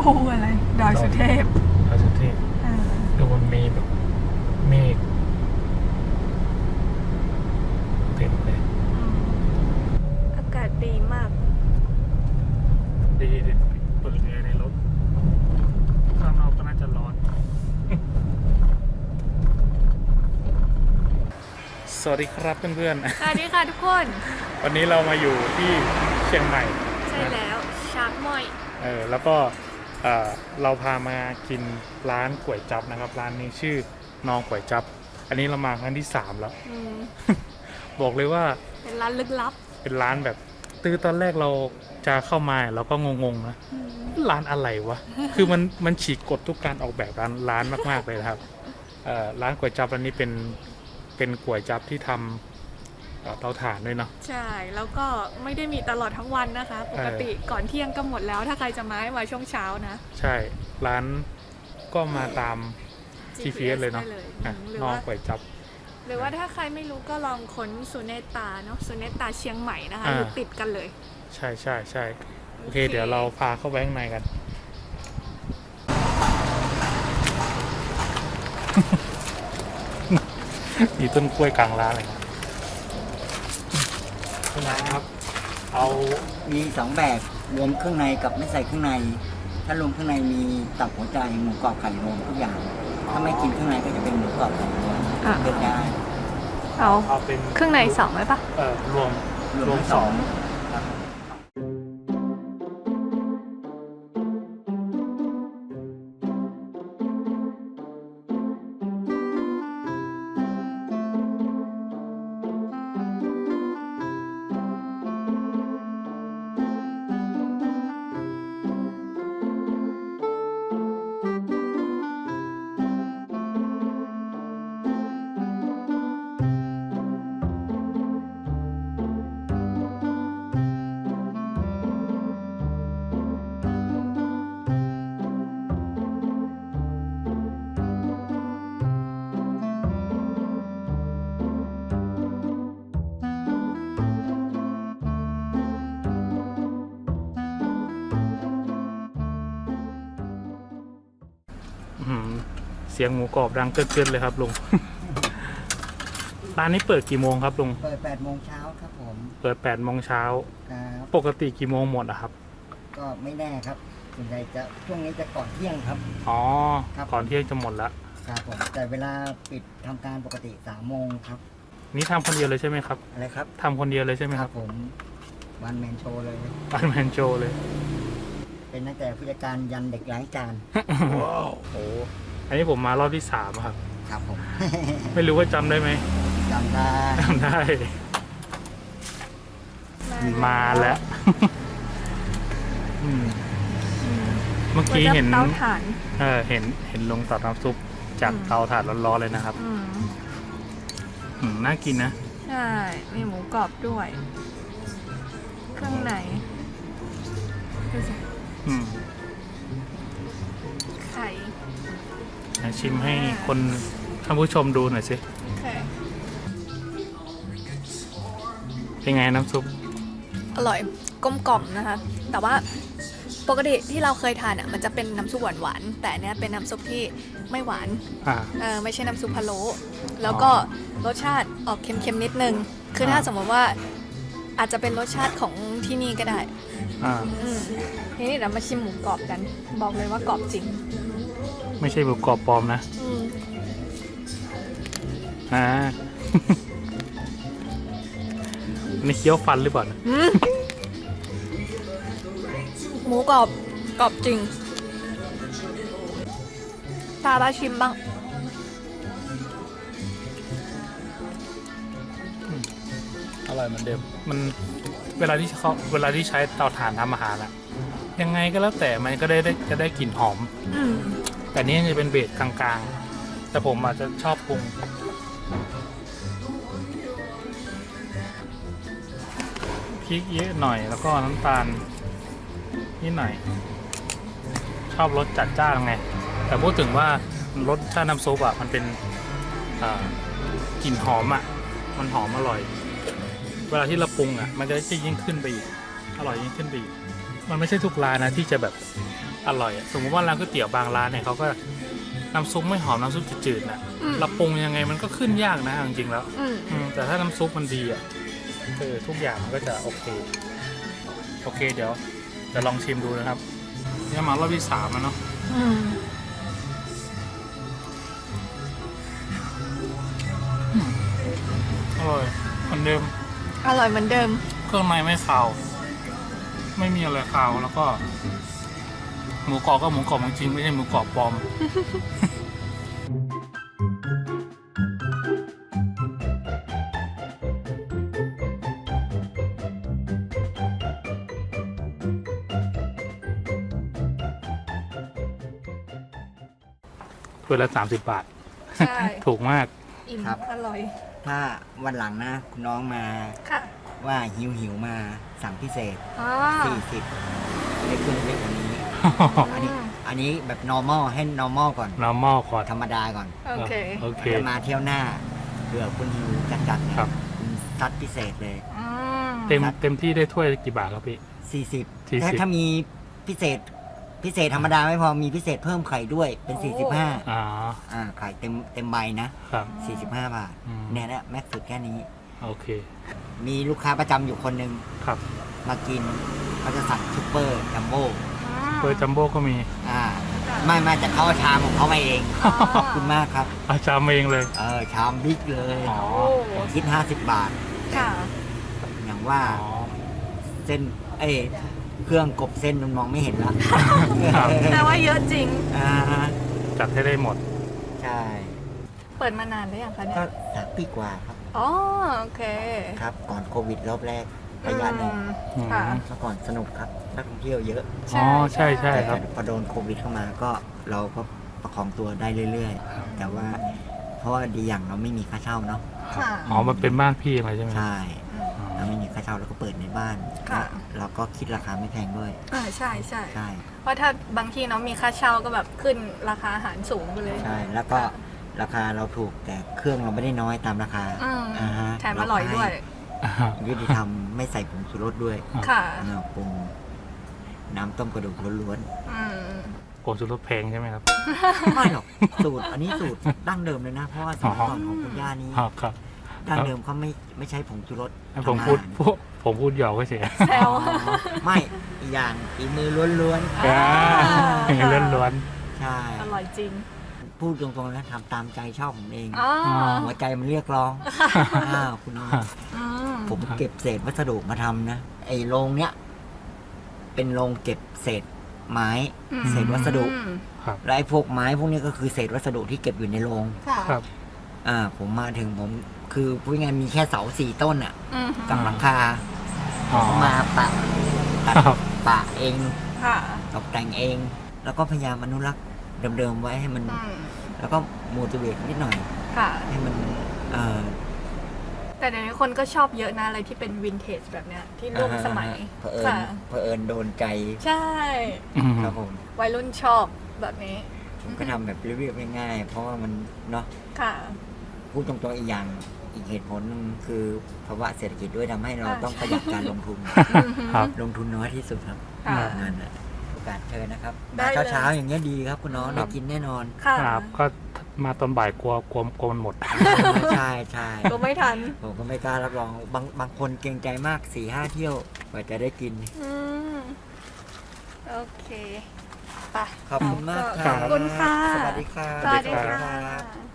อะไรดอยสุเทพดูมันมีแบบเมฆเต็มเลยอากาศดีมากดีเลยเปิดแอร์ในรถข้างนอกก็น่าจะร้อน สวัสดีครับเพื่อนๆสวัสดีค่ะทุกคนวันนี้เรามาอยู่ที่เชียงใหม่ใช่แล้วชาร์กมอยแล้วก็เราพามากินร้านก๋วยจั๊บนะครับร้านนี้ชื่อน้องก๋วยจั๊บอันนี้เรามาครั้งที่3แล้ว บอกเลยว่าเป็นร้านลึกลับเป็นร้านแบบตอนแรกเราจะเข้ามาเราก็งงๆนะร้านอะไรวะ คือมันฉีกกฎทุกการออกแบบร้านมากๆเลยนะครับร้านก๋วยจั๊บอันนี้เป็นก๋วยจั๊บที่ทำเตาถ่านด้วยเนาะใช่แล้วก็ไม่ได้มีตลอดทั้งวันนะคะปกติก่อนเที่ยงก็หมดแล้วถ้าใครจะมาช่วงเช้านะใช่ร้านก็มาตาม GPS เลยเนาะน้องก๋วยจั๊บหรือว่าถ้าใครไม่รู้ก็ลองค้นสุเนตาเนาะสุเนตาเชียงใหม่นะคะอยู่ติดกันเลยใช่โอเคเดี๋ยวเราพาเข้าไปข้างในกัน มีต้นกล้วยกลางร้านเลยนะคุณนายครับเอามี2แบบรวมเครื่องในกับไม่ใส่เครื่องในถ้ารวมเครื่องในมีตับหัวใจหมูกรอบไข่รวมทุกอย่างถ้าไม่กินเครื่องในก็จะเป็นหมูกรอบไข่รวมเลือกได้เอาเป็นเครื่องใน2ไหมปะรวม2เสียงหมูกรอบดังเกินเลยครับลุง ร้านนี้เปิดกี่โมงครับลุงเปิด8 โมงเช้าครับผมเปิด8 โมงเช้าปกติกี่โมงหมดอะครับก็ไม่แน่ครับส่วนใหญ่จะช่วงนี้จะก่อนเที่ยงครับอ๋อก่อนเที่ยงจะหมดแล้วครับผมแต่เวลาปิดทำการปกติ3 โมงครับนี่ทำคนเดียวเลยใช่ไหมครับอะไรครับทำคนเดียวเลยใช่ไหมครับผมวันแมนโชว์เลยวันแมนโชว์เลยเป็นตั้งแต่ผู้จัดการยันเด็กล้างจานว้าวโอ้อันนี้ผมมารอบที่3ครับครับผมไม่รู้ว่าจำได้ไหมจำได้มาแล้วเมื่อกี้เห็นเตาถ่านเห็นลงตัดน้ำซุปจากเตาถ่านร้อนๆเลยนะครับน่ากินนะใช่มีหมูกรอบด้วยเครื่องในไข่ชิมให้คนท่านผู้ชมดูหน่อยสิเป็นไงน้ำซุปอร่อยกลมกล่อมนะคะแต่ว่าปกติที่เราเคยทานมันจะเป็นน้ำซุปหวานๆแต่อันนี้เป็นน้ำซุปที่ไม่หวานไม่ใช่น้ำซุปพะโล้แล้วก็รสชาติออกเค็มๆนิดนึงคือถ้าสมมติว่าอาจจะเป็นรสชาติของที่นี่ก็ได้ทีนี้เรามาชิมหมูกรอบกันบอกเลยว่ากรอบจริงไม่ใช่หมูกรอบปลอมนะนี่เคี้ยวฟันหรือเปล่าหมูกรอบจริงตาบาชิมบ้างอร่อยเหมือนเดิมมันเวลาที่ใช้เตาถ่านทำอาหารอะยังไงก็แล้วแต่มันก็จะได้กลิ่นหอมแต่นี้จะเป็นเบสกลางๆแต่ผมอาจจะชอบปรุงพริกเยอะหน่อยแล้วก็น้ำตาลนิดหน่อยชอบรสจัดจ้านไงแต่พูดถึงว่ารสชาติน้ำซุปมันเป็นกลิ่นหอมมันหอมอร่อยเวลาที่เราปรุงมันจะยิ่งขึ้นไปอีกอร่อยยิ่งขึ้นไปอีกมันไม่ใช่ทุกร้านนะที่จะแบบอร่อยอะสมมติว่าร้านก๋วยเตี๋ยวบางร้านเนี่ยเขาก็น้ำซุปไม่หอมน้ำซุปจืดๆนะอืมเราปรุงยังไงมันก็ขึ้นยากนะจริงๆแล้วอืมแต่ถ้าน้ำซุปมันดีอ่ะทุกอย่างมันก็จะโอเคเดี๋ยวจะลองชิมดูนะครับนี่มารอบที่3แล้วเนาะอืมอร่อยเหมือนเดิมอร่อยเหมือนเดิมเครื่องในไม่คาวไม่มีอะไรคาวแล้วก็ หมูกรอบก็หมูกรอบจริงๆไม่ใช่หมูกรอบปลอม ถ้วยละ30 บาทใช่ถูกมากอิ่มครับอร่อยถ้าวันหลังนะคุณน้องมาค่ะว่าหิวมาสั่งพิเศษอ๋อ 40ได้เครื่องเล็กกว่านี้ อันนี้แบบ normal ให้ normal ก่อน normal ก่อนธรรมดาก่อนโอเคโอเคจะมาเที่ยวหน้าเผื่อคุณหิวจัดๆเนี่ยครับคุณซัดพิเศษเลยอืมเต็มที่ได้ถ้วยกี่บาทครับพี่ 40ถ้ามีพิเศษธรรมดาไม่พอมีพิเศษเพิ่มไข่ด้วยเป็น 45 อ๋อไข่เต็มใบนะครับ 45 บาทอืมเนี่ยนะแม็กซ์สุดแค่นี้โอเคมีลูกค้าประจำอยู่คนหนึ่งครับมากินเขาจะสั่งซุปเปอร์จัมโบ้เบอร์จัมโบ้ก็มีไม่แต่เขาเอาชามของเขามาเองอ๋อขอบคุณมากครับอาจารย์เองเลยชามบิ๊กเลยอ๋อผมคิด 50 บาทค่ะอย่างว่าอ๋อเส้นเครื่องกบเส้นมันมองไม่เห็นละครับแต่ว่าเยอะจริงอ่าจัดให้ได้หมดใช่เปิดมานานหรือยังคะเนี่ยก็3 ปีกว่าครับอ๋อ โอเคครับ ก่อนโควิดรอบแรกระยะหนึ่งอืมค่ะเมื่อก่อนสนุกครับนักท่องเที่ยวเยอะอ๋อ ใช่ครับแต่พอโดนโควิดเข้ามาก็เราก็ประคองตัวได้เรื่อยๆ แต่ว่าเพราะว่าดีอย่างเราไม่มีค่าเช่าเนาะค่ะอ๋อ มันเป็นบ้านพี่อะไรใช่ไหมใช่อ๋อเราไม่มีค่าเช่าเราก็เปิดในบ้านค่ะเราก็คิดราคาไม่แพงด้วยใช่ใช่ใช่เพราะถ้าบางที่เนาะมีค่าเช่าก็แบบขึ้นราคาอาหารสูงไปเลยใช่ แล้วก็ราคาเราถูกแต่เครื่องเราไม่ได้น้อยตามราคาอืมฮะแถมอร่อยด้วยอ่ายุติธรรมไม่ใส่ผงชูรสด้วยค่ะปรุงน้ำต้มกระดูกล้วนอืมโกนสุรสแพงใช่ไหมครับๆ ไม่หรอกสูตรอันนี้สูตรดั้งเดิมเลยนะ เพราะว่าสมัยก่อนของคุณย่านี้อ๋อครับดั้งเดิมเขาไม่ใช้ผงชูรสให้ผมทำอาพูดหารผมพูดหยอกก็เฉยแซวไม่อีกอย่างฝีมือล้วนอ่าเลื่อนล้วนๆ ใช่อร่อยจริงพูดตรงๆนะทำตามใจชอบผมเองอ๋อหัวใจมันเรียกร้องคุณน้องอืมผมเก็บเศษวัสดุมาทำนะ ไอ้โรงเนี้ยเป็นโรงเก็บเศษไม้ เศษวัสดุอืมและไอ้พวกไม้พวกนี้ก็คือเศษวัสดุที่เก็บอยู่ในโรงค่ะครับผมมาถึงผมคือพูดง่ายๆมีแค่เสา4 ต้นอ่ะอืมกับหลังคาอ๋อผมมาตัดครับปะเองค่ะตกแต่งเอง แล้วก็พยายามอนุรักษ์เดิมๆไว้ให้มันอืมแล้วก็มูติเวตนิดหน่อยค่ะให้มันแต่เดี๋ยวนี้คนก็ชอบเยอะนะอะไรที่เป็นวินเทจแบบเนี้ยที่ร่วมสมัยเผอิญค่ะเผอิญโดนใจใช่อืมครับผมวัยรุ่นชอบแบบนี้ผมก็ทำแบบเรียบๆง่ายๆเพราะว่ามันเนาะค่ะพูดตรงๆอีกอย่างอีกเหตุผลหนึงคือภาวะเศรษฐกิจด้วยทำให้เราต้องประหยัดการลงทุนครับลงทุนน้อยที่สุดครับค่ะนั่นแหละโอกาสเชิญนะครับได้มาเลยเช้าๆอย่างเงี้ยดีครับคุณน้องได้กินแน่นอนค่ะครับ ก็มาตอนบ่ายกลัวมันหมดใช่ใช่ก็ไม่ทันผมก็ไม่กล้ารับรองบางคนเกรงใจมาก 4-5 เที่ยวกว่าจะได้กินอืมโอเคไปขอบคุณมากขอบคุณค่ะสวัสดีครับสวัสดีครัค่ะบ